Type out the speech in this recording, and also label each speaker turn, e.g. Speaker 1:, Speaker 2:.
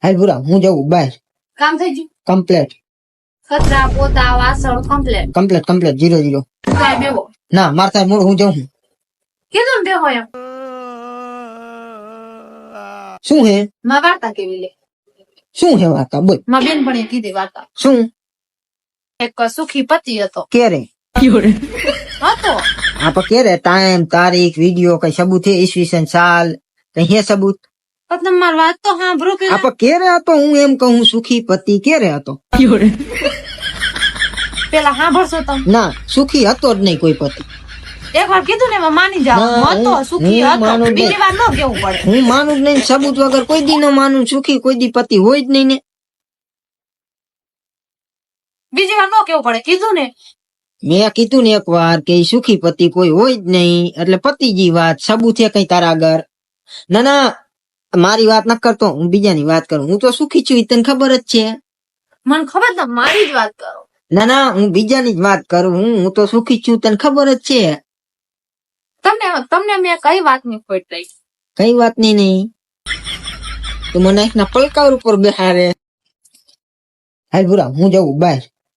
Speaker 1: હાલ ભૂરા હું જવું બહાર.
Speaker 2: કામ થઈ ગયું?
Speaker 1: કમ્પ્લેટ
Speaker 2: કચરા પોતા વાસણ કમ્પ્લેટ.
Speaker 1: કમ્પ્લેટ 0-0.
Speaker 2: કાંઈ બેહો.
Speaker 1: ના માર થાય મોડ હું જાઉં છું.
Speaker 2: કીધું ને બેહો એમ.
Speaker 1: શું હે
Speaker 2: માં વાર્તા કેવી લે?
Speaker 1: શું હે વાર્તા બોલ.
Speaker 2: માં બેનપણીએ કીધી વાર્તા.
Speaker 1: શું
Speaker 2: એક સુખી પતિ હતો.
Speaker 1: કેરે
Speaker 2: હતો.
Speaker 1: આ પણ કેરે ટાઈમ તારીખ વિડિયો કઈ સબૂત હે ઈસવીસન સાલ કઈ હે સબૂત?
Speaker 2: પણ તમે મારી વાત તો સાંભળો
Speaker 1: આ
Speaker 2: પેલા.
Speaker 1: પણ કેરે હતો હું એમ કહું સુખી પતિ કેરે હતો?
Speaker 2: પેલા સાંભળશો તમે?
Speaker 1: ના સુખી હતો જ નહીં કોઈ પતિ.
Speaker 2: એક વાર કીધું ને એમાં માની જાવ.
Speaker 1: ના,
Speaker 2: હતો સુખી
Speaker 1: હું
Speaker 2: હતો.
Speaker 1: માનું જ
Speaker 2: બીજી વાર ન કેવું પડે.
Speaker 1: હું માનું જ નહીં સબૂત વગર કોઈ દી ન માનું. સુખી કોઈ દી પતિ હોય જ નહીં ને.
Speaker 2: બીજી વાર ન કેવું પડે. કીધું ને.
Speaker 1: મેં કીધું ને એક વાર કે ઈ સુખી પતિ કોઈ હોય જ નહીં એટલે પતિજી વાત સબૂત છે કઈ તારા આગળ? ના ના મારી વાત ન કરતો હું બીજાની વાત કરું. હું તો સુખી છું ઈ તને ખબર જ છે.
Speaker 2: મને ખબર તમે મારી જ વાત કરો.
Speaker 1: ના ના હું બીજાની જ વાત કરું. હું તો સુખી છું તને ખબર જ છે.
Speaker 2: તમને મેં કઈ વાતની ખોટ રહી?
Speaker 1: કઈ વાત નહીં તું મને એકના પલકાર ઉપર બેહારે. હાલ ભૂરા હું જવું બહાર.